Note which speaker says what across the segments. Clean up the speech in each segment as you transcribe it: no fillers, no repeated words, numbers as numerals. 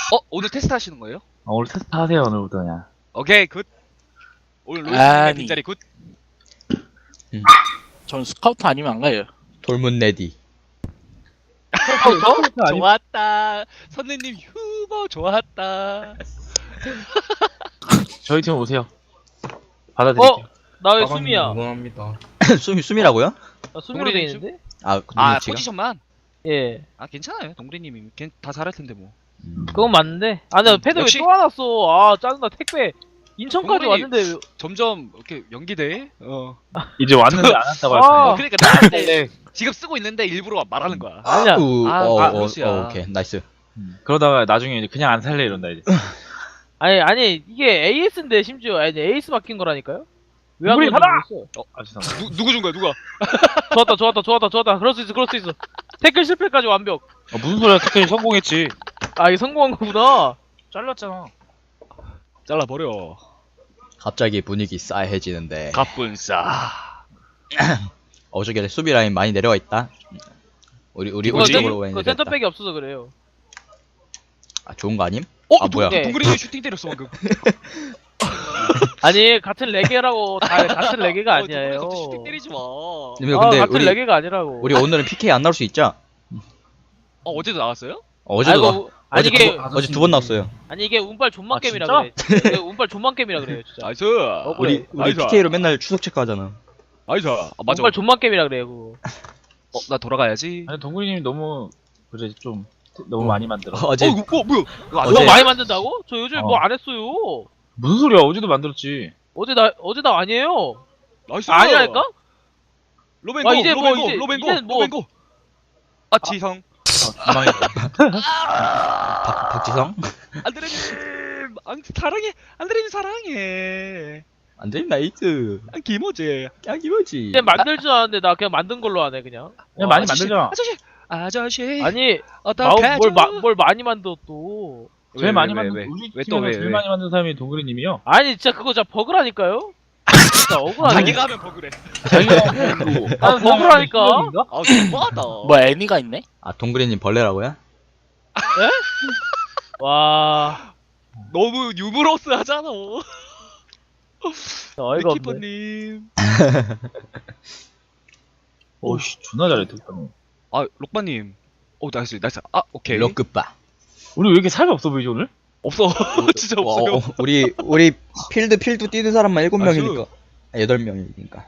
Speaker 1: 오늘 테스트 하시는 거예요?
Speaker 2: 오늘 테스트 하세요, 오늘부터 그냥.
Speaker 1: 오케이 굿. 오늘 로이스님의
Speaker 3: 아니.
Speaker 1: 빈자리 굿.
Speaker 3: 전 스카우트 아니면 안 가요.
Speaker 4: 돌문 레디.
Speaker 1: 좋았다. 선생님 휴버 좋았다.
Speaker 2: 저희 팀 오세요. 받아드릴게요.
Speaker 5: 나 왜 숨이야?
Speaker 6: 응원합니다.
Speaker 4: 숨이라고요?
Speaker 5: 나 숨으로 돼
Speaker 1: 동물이
Speaker 5: 있는데?
Speaker 4: 아,
Speaker 1: 아
Speaker 4: 지가?
Speaker 1: 포지션만.
Speaker 5: 예.
Speaker 1: 아 괜찮아요. 동그리님이 다 잘할 텐데 뭐.
Speaker 5: 그건 맞는데. 아, 나 패드 왜
Speaker 1: 역시.
Speaker 5: 또 안 왔어? 아, 짜증나. 택배. 인천까지
Speaker 1: 동물이-
Speaker 5: 왔는데. 왜-
Speaker 1: 점점 이렇게 연기돼.
Speaker 2: 이제 왔는데 안 왔다고 할
Speaker 5: 아.
Speaker 2: 거예요.
Speaker 1: 그러니까 나한테 지금 쓰고 있는데 일부러 말하는 거야.
Speaker 5: 아니야.
Speaker 1: 루시야.
Speaker 4: 오케이, 나이스.
Speaker 2: 그러다가 나중에 이제 그냥 안 살래 이런다 이제.
Speaker 5: 아니, 이게 AS인데 심지어. 아니, AS 바뀐 거라니까요? 왜 안
Speaker 2: 우리
Speaker 5: 그런지
Speaker 2: 받아!
Speaker 5: 모르겠어.
Speaker 2: 아 죄송합니다.
Speaker 1: 누구 준 거야 누가?
Speaker 5: 좋았다. 그럴 수 있어. 태클 실패까지 완벽.
Speaker 2: 무슨 소리야? 특히 성공했지.
Speaker 5: 아, 이게 성공한 거구나.
Speaker 2: 잘랐잖아.
Speaker 1: 잘라 버려.
Speaker 4: 갑자기 분위기 싸해지는데.
Speaker 1: 갑분싸.
Speaker 4: 저기 수비 라인 많이 내려와 있다. 우리
Speaker 5: 그거
Speaker 4: 쪽으로 많이
Speaker 5: 그
Speaker 4: 내려왔다.
Speaker 5: 센터백이 없어서 그래요.
Speaker 4: 아, 좋은 거 아님?
Speaker 1: 뭐야?
Speaker 5: 네.
Speaker 1: 동그리님 슈팅 때렸어 방금.
Speaker 5: 아니, 같은 레게라고. 같은 레게가 아니에요.
Speaker 1: 동그리 슈팅 때리지 마.
Speaker 4: 근데
Speaker 5: 같은
Speaker 4: 우리
Speaker 5: 레게가 아니라고.
Speaker 4: 우리 오늘은 PK 안 나올 수 있죠?
Speaker 1: 어제도 나왔어요?
Speaker 4: 어제도
Speaker 5: 아이고, 아니 이게
Speaker 4: 어제 두 번 나왔어요.
Speaker 5: 아니 이게 운빨 존만
Speaker 2: 아,
Speaker 5: 게임이라
Speaker 2: 진짜?
Speaker 5: 그래. 이게 운빨 존만 게임이라 그래요, 진짜.
Speaker 1: 나이스.
Speaker 4: 우리
Speaker 1: 나이스.
Speaker 4: PK로 맨날 추석 체크하잖아.
Speaker 1: 나이스. 맞아.
Speaker 5: 운빨 존만 게임이라 그래요, 그거.
Speaker 1: 나 돌아가야지.
Speaker 2: 아니 동근이님 너무 그래 좀 너무 많이 만들어.
Speaker 4: 어제
Speaker 1: 뭐야? 이거 안
Speaker 4: 어제-
Speaker 5: 형 많이 만든다고? 저 요즘
Speaker 2: 어.
Speaker 5: 뭐 안 했어요.
Speaker 2: 무슨 소리야? 어제도 만들었지.
Speaker 5: 어제 나 아니에요.
Speaker 1: 나이스.
Speaker 5: 아니랄까?
Speaker 1: 로벤고.
Speaker 5: 아, 이제 뭐,
Speaker 1: 로벤고.
Speaker 5: 이제는 뭐-
Speaker 1: 로벤고. 아 지성.
Speaker 4: 박지성?
Speaker 1: 안드레님. 안드레님 사랑해.
Speaker 4: 안돼 나이스.
Speaker 1: 김호재.
Speaker 4: 김어지.
Speaker 5: 이제 만들 줄 아는데 나 그냥 만든 걸로 하네, 그냥.
Speaker 2: 그냥 많이
Speaker 1: 아저씨,
Speaker 2: 만들잖아.
Speaker 1: 아저씨.
Speaker 5: 아니,
Speaker 1: 어떡하죠?
Speaker 5: 뭘 많이 만들어 또.
Speaker 2: 제일 많이
Speaker 1: 왜,
Speaker 2: 만든
Speaker 1: 왜?
Speaker 2: 우리
Speaker 1: 왜 또
Speaker 2: 팀에서
Speaker 1: 왜?
Speaker 2: 제일 많이 만든 사람이 동근이님이요.
Speaker 5: 아니, 진짜 그거 진짜 버그라니까요? 진짜 억울하네.
Speaker 1: 자기가 하면 버그래.
Speaker 2: 자기가
Speaker 5: 아, 버그라니까.
Speaker 1: 아 너무하다.
Speaker 3: 뭐 애니가 있네?
Speaker 4: 아, 동그리님 벌레라고요?
Speaker 5: 와,
Speaker 1: 너무 유머러스 하잖아.
Speaker 5: 진짜 어이가 없네.
Speaker 1: 키퍼님.
Speaker 2: 오씨 존나 잘해 득점이.
Speaker 1: 아 록바님. 오 나이스. 아 오케이.
Speaker 4: 럭크바.
Speaker 2: 우리 왜 이렇게 살이 없어 보이지 오늘?
Speaker 1: 없어. 진짜 없어요.
Speaker 4: 우리 필드 뛰는 사람만 7명이니까.
Speaker 1: 저-
Speaker 4: 8명이니까.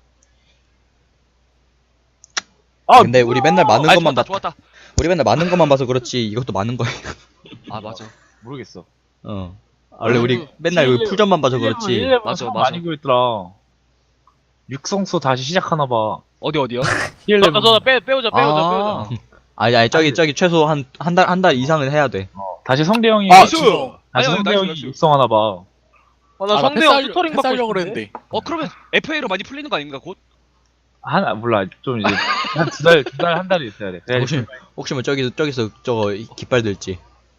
Speaker 2: 아,
Speaker 4: 근데 우리 맨날 많은
Speaker 1: 아
Speaker 4: 것만
Speaker 1: 좋았다.
Speaker 4: 우리 맨날 많은 것만 봐서 그렇지 이것도 많은 거예요.
Speaker 1: 아 맞아.
Speaker 2: 모르겠어.
Speaker 4: 원래 우리 맨날 여기 풀전만 봐서 그렇지.
Speaker 1: 맞아, 맞아.
Speaker 2: 많이 그랬더라. 육성소 다시 시작하나 봐.
Speaker 1: 어디요?
Speaker 5: 저 빼오자.
Speaker 4: 아니 저기 최소 한 달 이상은 해야 돼.
Speaker 2: 다시 성대 형이
Speaker 1: 나이스.
Speaker 2: 다시
Speaker 1: 아니,
Speaker 2: 성대
Speaker 1: 나이스,
Speaker 2: 형이
Speaker 1: 나이스.
Speaker 2: 육성하나 봐.
Speaker 5: 나 성대형 튜터링 받고
Speaker 3: 패스하려고
Speaker 5: 싶은데.
Speaker 3: 그랬는데.
Speaker 1: 그러면 FA로 많이 풀리는 거 아닌가 곧?
Speaker 2: 몰라 좀 이제 한 두 달 한 달이 있어야 돼. 그래야지.
Speaker 4: 혹시 뭐 저기서 저거 깃발 들지.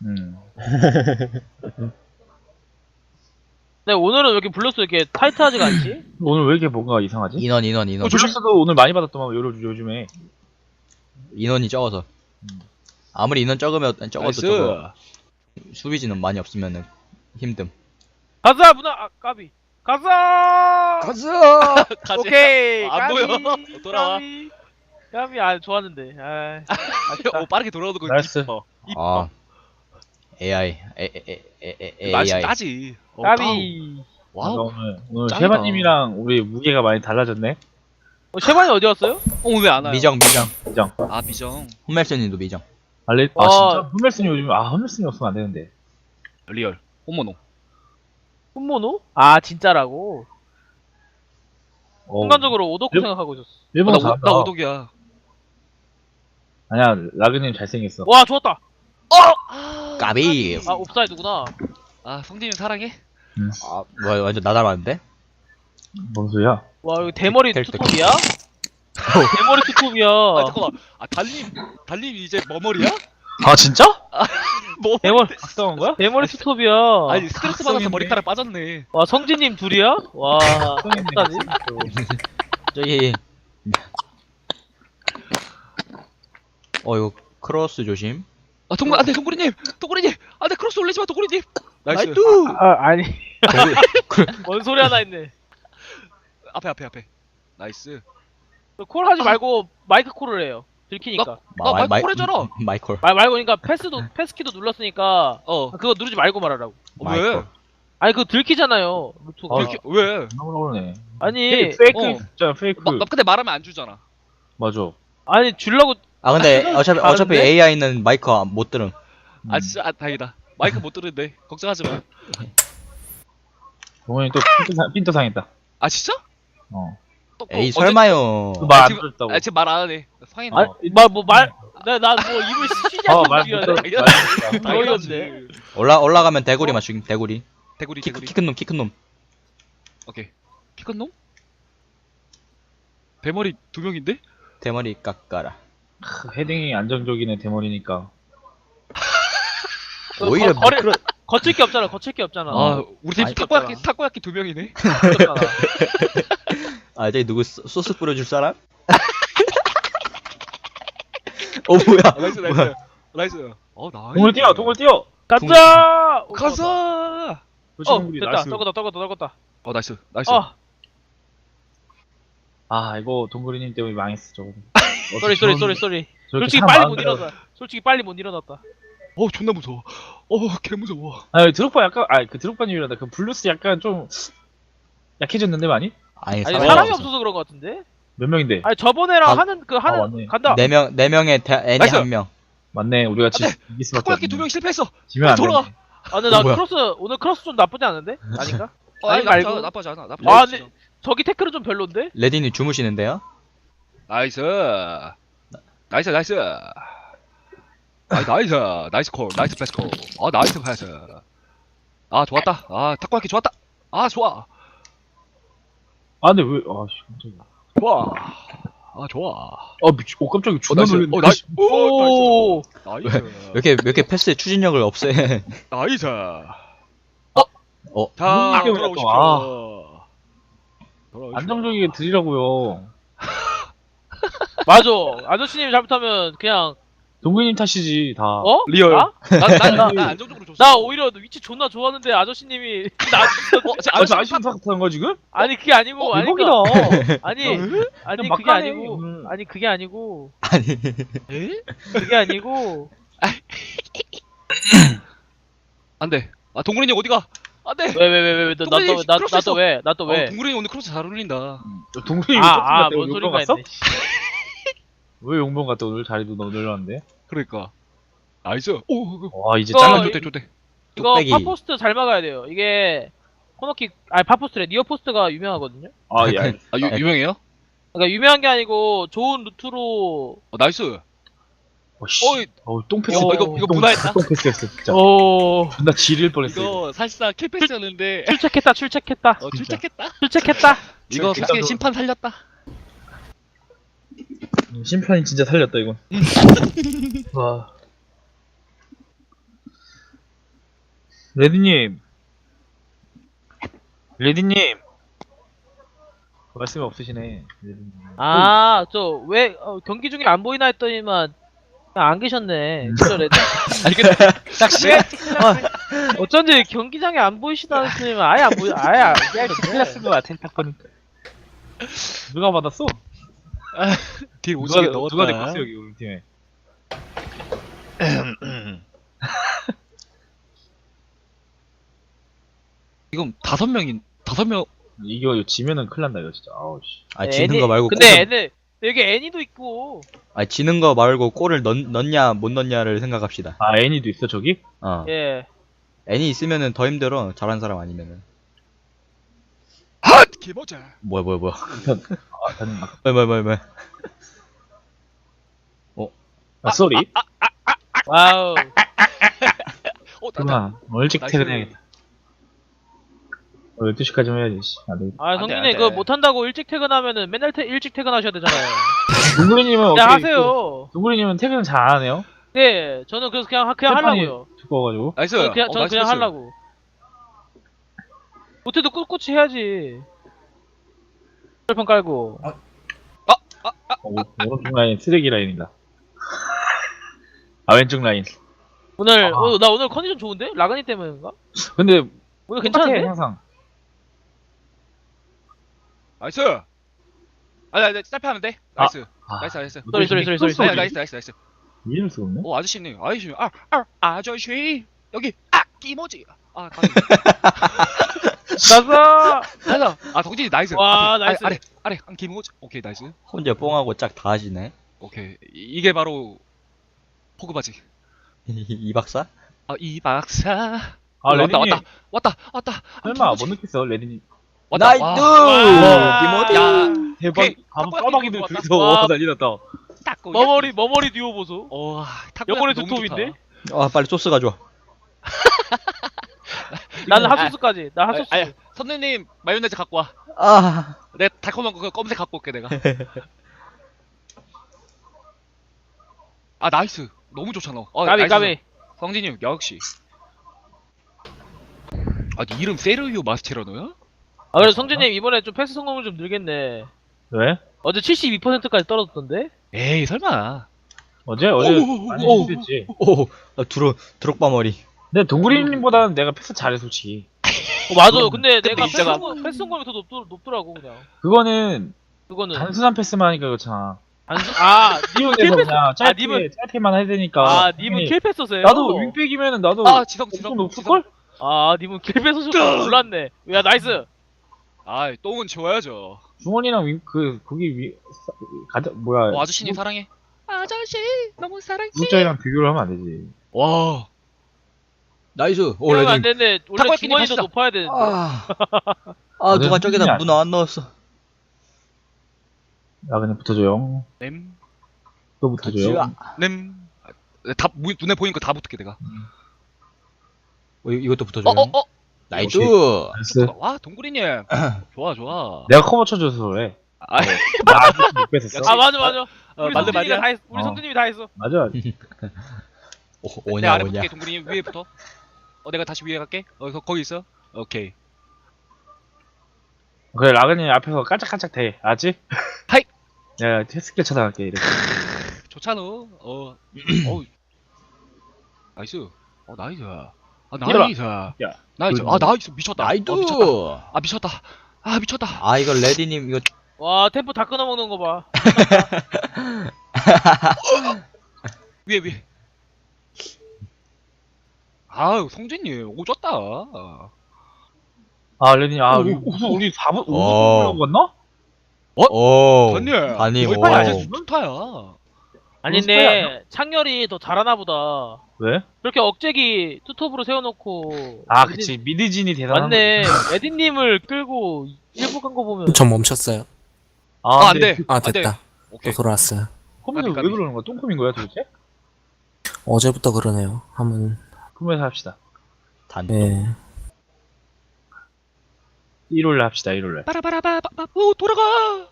Speaker 5: 네, 오늘은 왜 이렇게 블루스 이렇게 타이트하지가 않지?
Speaker 2: 오늘 왜 이렇게 뭔가 이상하지?
Speaker 4: 인원.
Speaker 2: 조식수도 오늘 많이 받았더만 요즘에.
Speaker 4: 인원이 적어서. 아무리 인원 적어도 저거 수비진은 많이 없으면은 힘듦.
Speaker 5: 가자, 문화, 까비. 가자!
Speaker 4: 가자.
Speaker 5: 오케이!
Speaker 1: 안
Speaker 5: 까비,
Speaker 1: 보여. 돌아와.
Speaker 5: 까비, 좋았는데.
Speaker 1: 오 빠르게 돌아오는 거
Speaker 2: 나이스.
Speaker 1: 이뻐.
Speaker 4: 아. AI.
Speaker 1: 맛이
Speaker 4: AI.
Speaker 1: 나지.
Speaker 5: 까비.
Speaker 1: 와우.
Speaker 2: 오늘
Speaker 1: 짱이다.
Speaker 2: 셰바님이랑 우리 무게가 많이 달라졌네.
Speaker 5: 셰반이 어디 갔어요?
Speaker 1: 왜 안 와요?
Speaker 4: 미정.
Speaker 1: 아 미정.
Speaker 4: 홈멜슨님도 미정.
Speaker 2: 진짜 홈멜슨이 요즘 홈멜슨이 없으면 안 되는데.
Speaker 1: 리얼. 홈모노.
Speaker 5: 훈모노? 진짜라고? 순간적으로 오덕후 생각하고 있었어.
Speaker 2: 일본
Speaker 1: 나
Speaker 2: 잘한다.
Speaker 1: 오독이야.
Speaker 2: 아니야 라그님 잘생겼어.
Speaker 5: 와, 좋았다.
Speaker 4: 까비.
Speaker 5: 옵사이드구나.
Speaker 1: 성진이 사랑해.
Speaker 4: 뭐야 완전 나 닮았는데?
Speaker 2: 뭔 소리야?
Speaker 5: 와, 이거 대머리
Speaker 4: 될 때.
Speaker 5: 투톱이야? 대머리 투톱이야.
Speaker 1: 잠깐만. 달님 이제 머머리야?
Speaker 2: 아 진짜?
Speaker 1: 뭐?
Speaker 2: 각성한 거야?
Speaker 5: 대머리 투톱이야.
Speaker 1: 아니 스트레스 받아서
Speaker 2: 각성인데?
Speaker 1: 머리카락 빠졌네.
Speaker 5: 와, 성진님 둘이야? 와, 어떡하지?
Speaker 4: 저기 이거 크로스 조심.
Speaker 1: 안돼 동구리님. 안돼 크로스 놀리지 마 도구리님. 나이스.
Speaker 5: 아니. 뭔 소리 하나 했네.
Speaker 1: 앞에. 나이스.
Speaker 5: 콜 하지 말고 마이크 콜을 해요. 들키니까.
Speaker 1: 마이크 콜했잖아.
Speaker 4: 마이콜.
Speaker 5: 말고 그러니까 패스키도 눌렀으니까
Speaker 1: 어.
Speaker 5: 그거 누르지 말고 말하라고.
Speaker 1: 왜?
Speaker 5: 아니 그거 들키잖아요. 루트가.
Speaker 1: 왜?
Speaker 2: 너무 그러네.
Speaker 5: 아니
Speaker 2: 페이크 진짜 페이크.
Speaker 1: 근데 말하면 안 주잖아.
Speaker 2: 맞아.
Speaker 5: 아니 줄라고.
Speaker 4: 아 근데 어차피
Speaker 5: 다른데?
Speaker 4: AI는 마이크 못 들음.
Speaker 1: 아 진짜 다행이다. 마이크 못 들은데 걱정하지 마.
Speaker 2: 동원이 또 핀도 상했다.
Speaker 1: 아 진짜?
Speaker 2: 어.
Speaker 4: 에이 설마요.
Speaker 2: 말안
Speaker 1: 지금-
Speaker 2: 들었다고.
Speaker 1: 아 지금 말 안 하네. 상했네.
Speaker 5: 아니 말뭐말 나뭐 입을 쉬지 않고
Speaker 2: 말
Speaker 5: 얘기해야
Speaker 2: 못
Speaker 5: 돼.
Speaker 2: 들었다.
Speaker 5: 당연한데.
Speaker 4: 올라가면 대구리 맞추기. 대구리.
Speaker 1: 대구리.
Speaker 4: 키 큰 놈.
Speaker 1: 오케이. 키 큰 놈? 대머리 2명인데?
Speaker 4: 대머리 깎아라.
Speaker 2: 헤딩이 안정적이네 대머리니까.
Speaker 4: 오히려
Speaker 5: 거칠 게 없잖아. 거칠 게 없잖아.
Speaker 1: 아 우리 팀
Speaker 4: 아니,
Speaker 1: 타코야키 2명이네.
Speaker 5: 없잖아.
Speaker 4: 아 저기 누구 소스 뿌려줄 사람? 뭐야?
Speaker 1: 나이스. 나이스. 나이스.
Speaker 2: 동물 뛰어.
Speaker 5: 가자.
Speaker 1: 가자.
Speaker 5: 됐다. 떨궜다.
Speaker 1: 나이스.
Speaker 2: 아 이거 동그리님 때문에 망했어 저거.
Speaker 5: 쏘리. 솔직히 빨리 못 일어났다.
Speaker 1: 존나 무서워. 개 무서워.
Speaker 2: 아 드록바 약간 그 드록바님이란다. 그 블루스 약간 좀 약해졌는데 많이?
Speaker 4: 아니
Speaker 5: 아니
Speaker 4: 사람이
Speaker 5: 사람이
Speaker 4: 없어.
Speaker 5: 없어서 그런 것 같은데?
Speaker 2: 몇 명인데?
Speaker 5: 아니 저번에랑
Speaker 4: 아,
Speaker 5: 하는
Speaker 2: 맞네.
Speaker 5: 간다.
Speaker 4: 네 명의 애니
Speaker 1: 나이스.
Speaker 4: 한 명.
Speaker 2: 맞네. 우리가 이길 수밖에
Speaker 1: 타코야키
Speaker 2: 없네.
Speaker 1: 2명 실패했어.
Speaker 2: 지면 안
Speaker 1: 돌아와.
Speaker 2: 돼.
Speaker 5: 아 근데 나
Speaker 4: 뭐야?
Speaker 5: 오늘 크로스 좀 나쁘지 않은데? 아닌가?
Speaker 1: 아니
Speaker 5: 아니, 말고.
Speaker 1: 나쁘지 않아.
Speaker 5: 아 근데 저기 태클은 좀 별론데?
Speaker 4: 레디님 주무시는데요?
Speaker 1: 나이스. 나이스. 나이스 콜. 나이스 패스 콜. 나이스 패스. 좋았다. 타코야키 좋았다. 좋아.
Speaker 2: 아 근데 왜? 아씨 깜짝이야.
Speaker 1: 좋아.
Speaker 2: 깜짝이야. 존나
Speaker 1: 나이스.
Speaker 2: 놀랐네.
Speaker 1: 나이스.
Speaker 5: 오.
Speaker 1: 나이스.
Speaker 4: 왜 이렇게 패스의 추진력을 없애?
Speaker 1: 나이스.
Speaker 4: 어?
Speaker 1: 자,
Speaker 2: 이게
Speaker 1: 돌아오십시오.
Speaker 2: 안정적이게 드리라고요.
Speaker 5: 맞아. 아저씨님 잘못하면 그냥
Speaker 2: 동그리님 탓이지 다.
Speaker 5: 어?
Speaker 1: 리얼.
Speaker 5: 나?
Speaker 1: 난 안정적으로 줬어.
Speaker 5: 나 오히려 위치 존나 좋았는데 아저씨님이 나
Speaker 2: 저 아쉬운 사건 거야 지금?
Speaker 5: 아니 그게 아니고 아니
Speaker 2: 대박이다.
Speaker 5: 아니
Speaker 2: 막
Speaker 5: 그게
Speaker 2: 가네.
Speaker 5: 아니고 아니 그게 아니고
Speaker 4: 아니
Speaker 1: 에?
Speaker 5: 그게 아니고
Speaker 1: 안 돼. 동그린이 어디가? 안 돼.
Speaker 5: 왜
Speaker 1: 동그라미 크로스
Speaker 5: 나또 왜?
Speaker 1: 동그린이 오늘 크로스 잘 어울린다.
Speaker 2: 동그리님
Speaker 5: 뭔 소린가 했네.
Speaker 2: 왜 용병 갔다 오늘 자리도 너무 늘렸는데?
Speaker 1: 그러니까. 나이스.
Speaker 2: 와 이제
Speaker 5: 이거-
Speaker 2: 잘라.
Speaker 1: 좋대.
Speaker 5: 이거
Speaker 4: 뚝배기.
Speaker 5: 파포스트 잘 막아야 돼요. 이게 코너킥 아니 파포스트래 니어 포스트가 유명하거든요.
Speaker 2: 아 예.
Speaker 1: 유명해요?
Speaker 5: 그러니까 유명한 게 아니고 좋은 루트로
Speaker 1: 나이스.
Speaker 2: 씨. 똥패스.
Speaker 1: 이거 문화했다.
Speaker 2: 똥패스였어 진짜.
Speaker 5: 오
Speaker 2: 존나 지릴 뻔했어.
Speaker 1: 이거 사실상 킬패스였는데
Speaker 5: 출첵했다.
Speaker 1: 출첵했다. 이거
Speaker 2: 진짜
Speaker 1: 솔직히
Speaker 2: 너-
Speaker 1: 심판 살렸다.
Speaker 2: 심판이 진짜 살렸다 이건. 와. 레디님. 말씀이 없으시네. 레디님.
Speaker 5: 저 왜 경기 중에 안 보이나 했더니만 그냥 안 계셨네. 진짜 레드.
Speaker 1: 아니 근데
Speaker 4: 싹시?
Speaker 5: 어쩐지 경기장에 안 보이시다 했더니만 아예 안 보이 아예 안
Speaker 2: 클라스 거 같아 딱 보니까. 누가 받았어?
Speaker 1: 뒤에 오지게 넣었다.
Speaker 2: 누가 데리고 왔어 여기 우리 팀에.
Speaker 1: 이건 5명.
Speaker 2: 이거 지면은 큰일 난다 이거 진짜. 아우 씨.
Speaker 4: 아 지는 거 말고
Speaker 5: 근데
Speaker 4: 골을-
Speaker 5: 애들 여기 애니도 있고
Speaker 4: 아니 지는 거 말고 골을 넣냐 못 넣냐를 생각합시다.
Speaker 2: 아 애니도 있어 저기?
Speaker 5: 예.
Speaker 4: 애니 있으면은 더 힘들어. 잘한 사람 아니면은.
Speaker 1: 개모자.
Speaker 4: 뭐야.
Speaker 2: 저는
Speaker 4: 뭐야.
Speaker 2: 쏘리.
Speaker 5: 와우.
Speaker 2: 그만. 일찍
Speaker 1: 나이스.
Speaker 2: 퇴근해야겠다. 12시까지만 해야지. 씨. 안 되겠다.
Speaker 5: 아
Speaker 1: 안 돼,
Speaker 5: 성준이
Speaker 1: 안 돼.
Speaker 5: 그거 못한다고 일찍 퇴근하면은 맨날 일찍 퇴근하셔야 되잖아요.
Speaker 2: 동그리님은
Speaker 5: 그냥
Speaker 2: 어떻게?
Speaker 5: 하세요.
Speaker 2: 동그리님은 퇴근 잘 안 하네요.
Speaker 5: 네, 저는 그래서 그냥
Speaker 2: 심판이
Speaker 5: 하려고요.
Speaker 2: 두꺼워가지고.
Speaker 1: 나이스.
Speaker 5: 저는 그냥 하려고. 못해도 꿋꿋이 해야지. 철판 깔고.
Speaker 2: 오른쪽 라인 쓰레기 라인이다. 아 왼쪽 라인.
Speaker 5: 오늘
Speaker 2: 아.
Speaker 5: 나 오늘 컨디션 좋은데? 라그니 때문인가?
Speaker 2: 근데
Speaker 5: 오늘
Speaker 2: 똑같아,
Speaker 5: 괜찮은데?
Speaker 2: 항상.
Speaker 1: 나이스. 아니 짧게 돼. 나이스. 나이스.
Speaker 5: 쏘리.
Speaker 1: 아니, 나이스.
Speaker 2: 이름 쓰고 없네.
Speaker 1: 오 아저씨네. 아저씨 여기 끼모지.
Speaker 2: 나가.
Speaker 1: 가자. 덕진이 나이스.
Speaker 5: 와,
Speaker 1: 앞에,
Speaker 5: 나이스.
Speaker 1: 아래 한 끼모지. 오케이 나이스.
Speaker 4: 혼자 뽕하고 짝 다 하시네.
Speaker 1: 오케이 이게 바로 포그바지.
Speaker 4: 이 박사?
Speaker 1: 이 박사.
Speaker 2: 아, 레디님.
Speaker 1: 왔다.
Speaker 2: 설마 못 느꼈어, 레디님.
Speaker 1: 왔다.
Speaker 4: 나이스!
Speaker 5: 와.
Speaker 4: 김어디!
Speaker 1: 야
Speaker 2: 대박.
Speaker 1: 오케이.
Speaker 2: 까마귀들
Speaker 1: 왔다.
Speaker 2: 둘이서
Speaker 5: 와.
Speaker 2: 난리 났다.
Speaker 1: 탁구.
Speaker 5: 머머리 듀오 보소. 영혼의
Speaker 1: 너무
Speaker 5: 두톱인데?
Speaker 1: 좋다.
Speaker 4: 아, 빨리 소스 가져와.
Speaker 5: 나는 핫소스까지. 나 핫소스.
Speaker 1: 아니, 선생님 마요네즈 갖고 와.
Speaker 4: 아,
Speaker 1: 내가 달콤한 거 검색 갖고 올게 내가. 나이스. 너무 좋잖아.
Speaker 5: 까비.
Speaker 1: 성진이 형 역시. 네 이름 세르히오 마스체라노야?
Speaker 5: 그래서 성진님 이번에 좀 패스 성공을 좀 늘겠네.
Speaker 2: 왜?
Speaker 5: 어제 72%까지 떨어졌던데?
Speaker 1: 에이 설마.
Speaker 2: 어제 많이
Speaker 1: 오.
Speaker 2: 됐지.
Speaker 4: 오, 나 드록바 머리.
Speaker 2: 근데 동구리님보다는 내가 패스 잘해, 솔직히.
Speaker 5: 맞아. 근데 내가
Speaker 1: 인정하고.
Speaker 5: 패스 성공이 더 높더라고 그냥.
Speaker 2: 그거는
Speaker 5: 그거는
Speaker 2: 단순한 패스만 하니까 그렇잖아.
Speaker 5: 님은
Speaker 2: 님은
Speaker 5: 킬패스.
Speaker 2: 그냥 짧게만 해야 되니까.
Speaker 5: 님은 킬패스세요?
Speaker 2: 나도 윙백이면은 나도
Speaker 1: 지성
Speaker 2: 엄청 높을걸?
Speaker 5: 님은 킬패스 줄 몰랐네. 야 나이스.
Speaker 1: 똥은 지워야죠.
Speaker 2: 중원이랑 뭐야.
Speaker 1: 아저씨님 사랑해. 아저씨 너무 사랑해.
Speaker 2: 구독자이랑 비교를 하면 안 되지.
Speaker 1: 와.
Speaker 4: 나이스. 오,
Speaker 5: 그러면 안
Speaker 4: 레디.
Speaker 5: 되는데 원래
Speaker 1: 탁구야,
Speaker 5: 중원이 더
Speaker 1: 갑시다.
Speaker 5: 높아야 되는데.
Speaker 4: 누가 저기다 문어 안 넣었어.
Speaker 2: 야, 그냥 붙어줘요.
Speaker 1: 냄.
Speaker 2: 또 붙어줘요.
Speaker 1: 다 눈에 보이는 거 다 붙을게 내가.
Speaker 4: 이것도 붙어줘요. 나이스.
Speaker 2: 나이스.
Speaker 1: 와 동구리님. 좋아.
Speaker 2: 내가 커버 쳐줘서 그래. 나 아직 못 뺐었어.
Speaker 5: 맞아. 우리
Speaker 1: 맞네,
Speaker 5: 성준이가
Speaker 1: 맞네.
Speaker 5: 다 했어. 우리 성준님이 다 했어.
Speaker 2: 맞아.
Speaker 1: 내가 아래
Speaker 4: 오냐.
Speaker 1: 붙게 동구리님 위에부터. 내가 다시 위에 갈게. 거기 있어. 오케이.
Speaker 2: 그래, 라그님 앞에서 깔짝깔짝 대. 알았지?
Speaker 1: 하이!
Speaker 2: 야, 스킬 쳐다갈게, 이렇게.
Speaker 1: 좋잖아. 나이스. 나이스.
Speaker 2: 나이스.
Speaker 1: 나이스.
Speaker 2: 야.
Speaker 1: 나이스. 미쳤다.
Speaker 4: 나이스.
Speaker 1: 미쳤다.
Speaker 4: 이거 레디님, 이거.
Speaker 5: 와 템포 다 끊어먹는 거 봐.
Speaker 1: 위에. 성진님 오졌다.
Speaker 2: 레니, 우리 4분, 5분
Speaker 4: 어.
Speaker 2: 올라고 갔나?
Speaker 4: 오.
Speaker 1: 전님.
Speaker 4: 아니,
Speaker 1: 거의
Speaker 4: 오.
Speaker 1: 빨리 아직 스타야.
Speaker 5: 아닌데 창렬이 더 잘하나 보다.
Speaker 2: 왜?
Speaker 5: 그렇게 억제기 투톱으로 세워놓고.
Speaker 2: 그치. 미드진이 대단한
Speaker 5: 맞네. 에디님을 끌고 일부 간 거 보면.
Speaker 6: 저 멈췄어요.
Speaker 1: 안 돼.
Speaker 6: 아,
Speaker 1: 안 돼.
Speaker 6: 됐다.
Speaker 1: 오케이.
Speaker 6: 또 돌아왔어요.
Speaker 2: 컴퓨터 왜
Speaker 1: 까비.
Speaker 2: 그러는 거야? 똥컴인 거야, 도대체?
Speaker 6: 어제부터 그러네요. 한번,
Speaker 2: 컴퓨터 합시다.
Speaker 4: 단.
Speaker 6: 예.
Speaker 2: 1월에 합시다, 1월에.
Speaker 1: 빠라바라바바. 돌아가.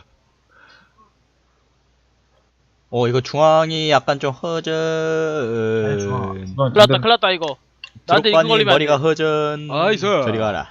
Speaker 4: 이거 중앙이 약간 좀 허전.
Speaker 5: 큰일 났다 이거. 나한테 이거
Speaker 4: 드록바님
Speaker 5: 걸리면 안
Speaker 4: 머리가
Speaker 5: 돼.
Speaker 4: 허전.
Speaker 1: 나이스.
Speaker 4: 저리 가라.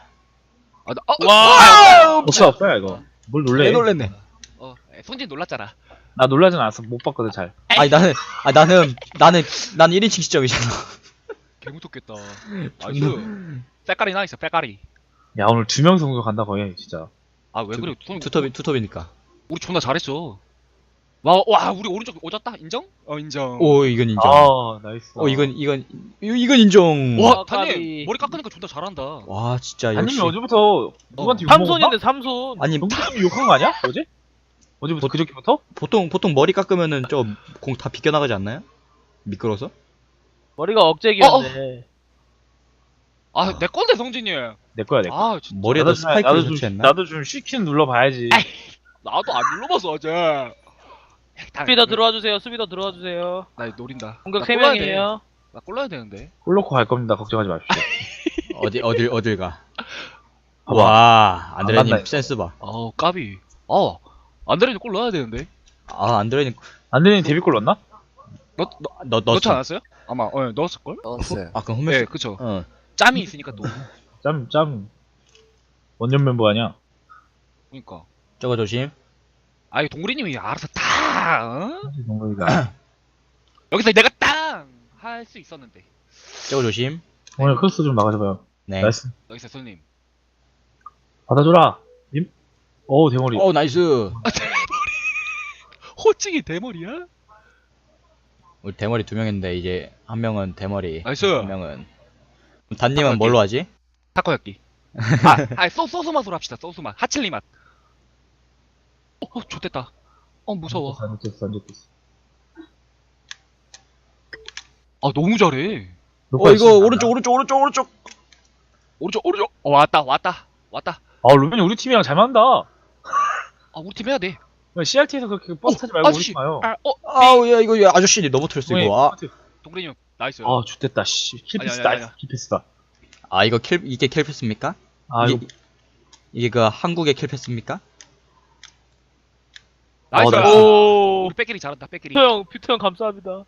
Speaker 5: 와.
Speaker 2: 없어요, 이거. 뭘 놀래?
Speaker 4: 놀랬네.
Speaker 1: 성진 놀랐잖아.
Speaker 2: 나 놀라진 않았어. 못 봤거든, 잘.
Speaker 4: 나는 1인칭 시점이잖아.
Speaker 1: 개무섭겠다. 나이스. 빼까리 나이스. 빼까리.
Speaker 2: 야, 오늘 2명서 공격한다, 거의, 진짜.
Speaker 1: 왜 그래?
Speaker 4: 투톱이니까.
Speaker 1: 우리 존나 잘했어. 와 우리 오른쪽 오졌다. 인정? 인정.
Speaker 4: 오, 이건 인정.
Speaker 2: 나이스.
Speaker 4: 이건 인정.
Speaker 1: 와
Speaker 5: 까비.
Speaker 1: 단님 머리 깎으니까 존나 잘한다.
Speaker 4: 와, 진짜
Speaker 2: 아님이
Speaker 4: 역시.
Speaker 2: 어제부터 누구한테 욕먹었나?
Speaker 5: 삼손인데 삼손.
Speaker 4: 아니,
Speaker 2: 동기님이 욕한 거 아니야? 어제? 어제부터 그저께부터?
Speaker 4: 보통 머리 깎으면은 좀 공 다 비껴나가지 않나요? 미끄러서?
Speaker 5: 머리가 억제기였네.
Speaker 1: 내 건데 성진이.
Speaker 2: 내 거야, 내 거.
Speaker 1: 진짜.
Speaker 4: 머리에다 스파이크를 설치했나?
Speaker 2: 나도 좀 쉬키는 눌러봐야지.
Speaker 1: 나도 안 눌러봤어 어제.
Speaker 5: 수비 더 들어와 주세요. 수비 더 들어와 주세요.
Speaker 1: 나 노린다.
Speaker 5: 공격
Speaker 1: 나
Speaker 5: 3명이에요.
Speaker 1: 나 골라야 되는데.
Speaker 2: 골 넣고 갈 겁니다. 걱정하지 마십시오.
Speaker 4: 어딜 가?
Speaker 2: 봐봐.
Speaker 4: 와,
Speaker 2: 안 간다,
Speaker 4: 안드레님
Speaker 2: 이거.
Speaker 4: 센스 봐.
Speaker 1: 까비. 안드레는 골 넣어야 되는데.
Speaker 4: 안드레님
Speaker 2: 안드레님 데뷔골 넣었나?
Speaker 1: 넣지
Speaker 4: 넣었어.
Speaker 1: 않았어요? 아마 넣었을 걸?
Speaker 6: 넣었어요.
Speaker 4: 그럼 홈메스.
Speaker 1: 네, 그쵸.
Speaker 4: 어.
Speaker 1: 짬이 있으니까 또.
Speaker 2: 짬. 원년 멤버 아니야?
Speaker 1: 그러니까.
Speaker 4: 저거 조심.
Speaker 1: 동구리님이 알아서 다.
Speaker 2: 동거이가.
Speaker 1: 여기서 내가 땅 할 수 있었는데.
Speaker 4: 저거 조심.
Speaker 2: 오늘 크로스 좀 막아줘봐요.
Speaker 4: 네.
Speaker 2: 나이스.
Speaker 1: 나이스 손님.
Speaker 2: 받아줘라. 님. 오 대머리.
Speaker 4: 오 나이스.
Speaker 1: 호칭이 대머리야?
Speaker 4: 우리 대머리 2명인데 이제 한 명은 대머리.
Speaker 1: 나이스.
Speaker 4: 한 명은. 그럼 단님은 뭘로 하지?
Speaker 1: 타코야끼. 소스 맛으로 합시다. 소스 맛. 하칠리 맛. 좋됐다. 무서워.
Speaker 2: 안 좋겠어.
Speaker 1: 너무 잘해.
Speaker 4: 이거 오른쪽.
Speaker 1: 오른쪽. 왔다.
Speaker 2: 아 루벤이 우리 팀이랑 잘 맞는다.
Speaker 1: 우리 팀 해야 돼.
Speaker 2: CRT에서 그렇게 버스 타지 말고
Speaker 1: 아저씨.
Speaker 2: 오지 마요.
Speaker 4: 아우 야 이거 아저씨 넘어뜨렸어 이거.
Speaker 1: 동그라미 형, 나이스.
Speaker 2: 아 좋됐다. 씨. 킬패스다.
Speaker 1: 아니야.
Speaker 2: 킬패스다.
Speaker 4: 이게 킬패스입니까?
Speaker 2: 아 이거
Speaker 4: 이게 그 한국의 킬패스입니까?
Speaker 1: 나이스.
Speaker 2: 나이스.
Speaker 1: 우리 백길이 잘한다. 백길이.
Speaker 5: 퓨터 형 감사합니다.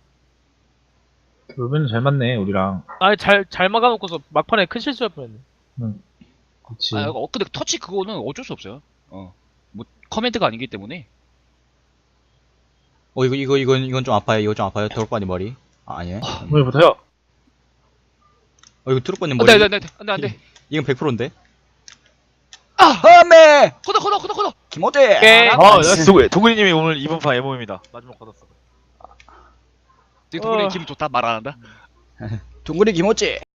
Speaker 2: 루벤은 잘 맞네 우리랑.
Speaker 5: 아니 잘 막아놓고서 막판에 큰 실수할 뻔했네.
Speaker 2: 그렇지.
Speaker 1: 근데 터치 그거는 어쩔 수 없어요. 뭐 커맨드가 아니기 때문에.
Speaker 4: 이건 좀 아파요. 이거 좀 아파요. 드롭바님 머리. 아니네.
Speaker 2: 오늘부터요.
Speaker 4: 이거 드롭바님 머리.
Speaker 1: 안돼.
Speaker 4: 이건 100%인데. 네.
Speaker 1: 커더.
Speaker 4: 김호재.
Speaker 5: 오케이.
Speaker 2: 나이스. 도구리님이 오늘 이번 판 MO입니다. 마지막 받았어.
Speaker 1: 지금 동그라미 기분 좋다 말 안 한다.
Speaker 4: 동그리 김호재.